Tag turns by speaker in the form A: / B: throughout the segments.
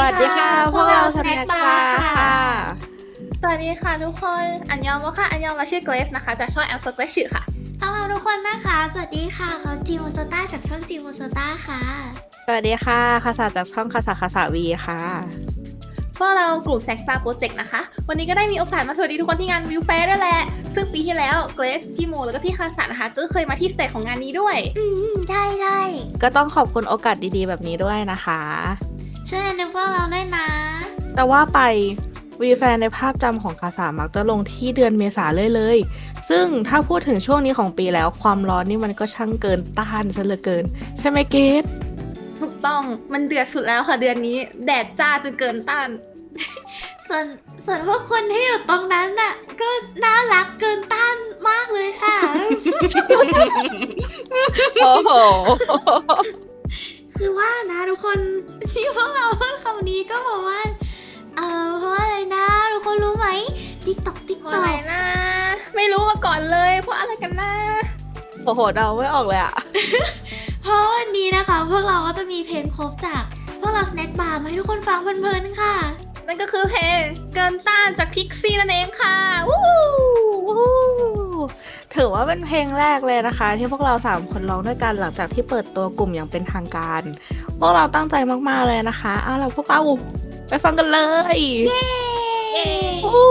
A: วัสดีค่ะพวกเราสแน็คบาร์ค่ะ
B: สวัสดีค่ะทุกคนอันยองวะค่ะอันยองเราชื่อเกรซนะคะจากช่องแอมโฟกัสชื่อค่ะ
A: ฮัลโหลทุกคนนะคะสวัสดีค่ะเขาจิโมโซต้าจากช่องจิโมโซต้าค่ะ
C: สวัสดีค่ะคาสาจากช่องคาสาวีค่ะ
B: พวกเรากลุ่มแซกบาร์โปรเจกต์นะคะวันนี้ก็ได้มีโอกาสมาสวัสดีทุกคนที่งานวิวแฟร์ด้วยแหละซึ่งปีที่แล้วเกรซพี่โมแล้วก็พี่คาสานะคะก็เคยมาที่สเตจของงานนี้ด้วย
A: ใช่ใช่
C: ก็ต้องขอบคุณโอกาสดีๆแบบนี้ด้วยนะคะ
A: ช่วยนึกพวกเราด้วยนะ
C: แต่ว่าไปวีแฟนในภาพจำของคาสามักจะลงที่เดือนเมษาเลย ซึ่งถ้าพูดถึงช่วงนี้ของปีแล้วความร้อนนี่มันก็ช่างเกินต้านซะเหลือเกิน ใช่ไหมเกด
B: ถูกต้องมันเดือดสุดแล้วค่ะเดือนนี้แดดจ้าจนเกินต้าน
A: ส่วนพวกคนที่อยู่ตรงนั้นน่ะก็น่ารักเกินต้านมากเลยค่ะ
C: โอ้โห
A: คือว่านะทุกคนที่พวกเราพูดคำนี้ก็บอกว่าเพราะอะไรนะทุกคนรู้ไหมติ๊กตอก
B: เพราะอะไรนะไม่รู้มาก่อนเลยเพราะอะไรกันนะ
C: โอ้โหเดาไม่ออกเลยอะ
A: เพราะวันนี้นะคะพวกเราก็จะมีเพลงครบจากพวกเราสแน็คบาร์มาให้ทุกคนฟังเพลินๆค่ะ
B: นั่นก็คือเพลงเกินต้านจากพิกซี่นั่นเองค่ะวู้
C: ถือว่าเป็นเพลงแรกเลยนะคะ ที่พวกเรา3คนร้องด้วยกันหลังจากที่เปิดตัวกลุ่มอย่างเป็นทางการ พวกเราตั้งใจมากๆเลยนะคะเอาล่ะพวกเราไปฟังกันเลย
A: เย้
C: วู้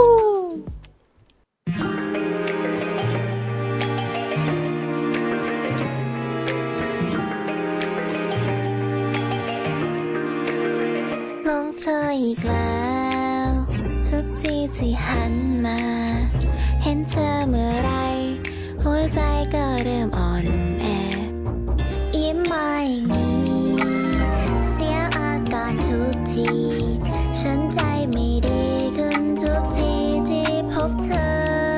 D: ลงเธออีกแล้วทุกทีที่หันมา เห็นเธอเมื่อไรหัวใจก็เริ่มอ่อนแอยิ้มมาอย่างนี้เสียอาการทุกทีฉันใจไม่ดีขึ้นทุกทีที่พบเธอ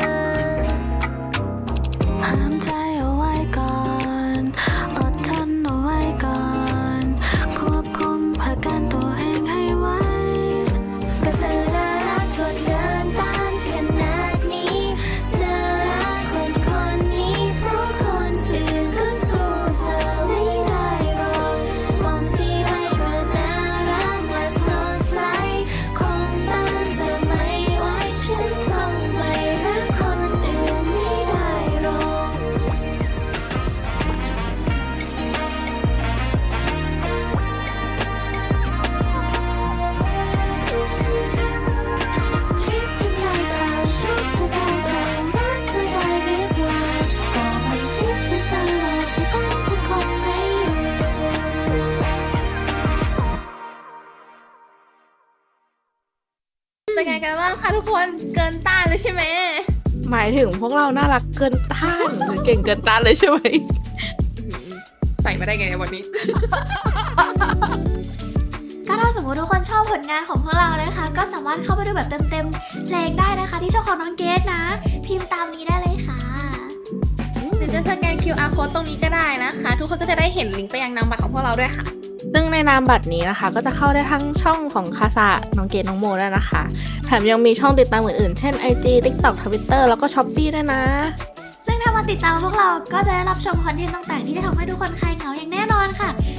D: ห้ามใจเอาไว้ก่อนอดทนเอาไว้ก่อนควบคุมอาการตัวเองให้ไว้ก็เธอน่ารักจนเกินต้านขนาดนี้เธอรักคนนี้เพราะคนอื่นก็สู้เธอไม่ได้หรอกมองที่ไรก็น่ารักและสดใสคงต้านเธอไม่ไหวฉันคงไม่รักคนอื่นไม่ได้หรอก คิดถึงได้เปล่าชอบเธอได้เปล่ารักเธอได้หรือเปล่าก็ไม่คิดถึงตลอดที่บ้านจะคงไม่รู้
B: เป็นไงกันบ้างคะทุกคนเกินต้านเลยใช่ไหม
C: หมายถึงพวกเราน่ารักเกินต้านหรือเก่งเกินต้านเลยใช่ไหม
B: ใส่มาได้ไงในวันนี้
A: ก็ถ้าสมมติทุกคนชอบผลงานของพวกเรานะคะก็สามารถเข้าไปดูแบบเต็มๆเพลงได้นะคะที่ช่องของน้องเกดนะ พิมพ์ตามนี้ได้เลยค่ะ
B: หรือจะสแกน QR code ตรงนี้ก็ได้นะคะ ทุกคนก็จะได้เห็นลิงก์ไปยังนามบัตรของพวกเราด้วยค่ะ
C: ซึ่งในนามบัตรนี้นะคะ ก็จะเข้าได้ทั้งช่องของคาสะน้องเกดน้องโมด้วยนะคะ แถมยังมีช่องติดตามอื่นๆ เช่น IG TikTok Twitter แล้วก็ Shopee ด้วยนะ
A: ซึ่งถ้ามาติดตามพวกเราก็จะได้รับชมคอนเทนต์ต่างๆที่จะทำให้ทุกคนคลายเหงาอย่างแน่นอนค่ะ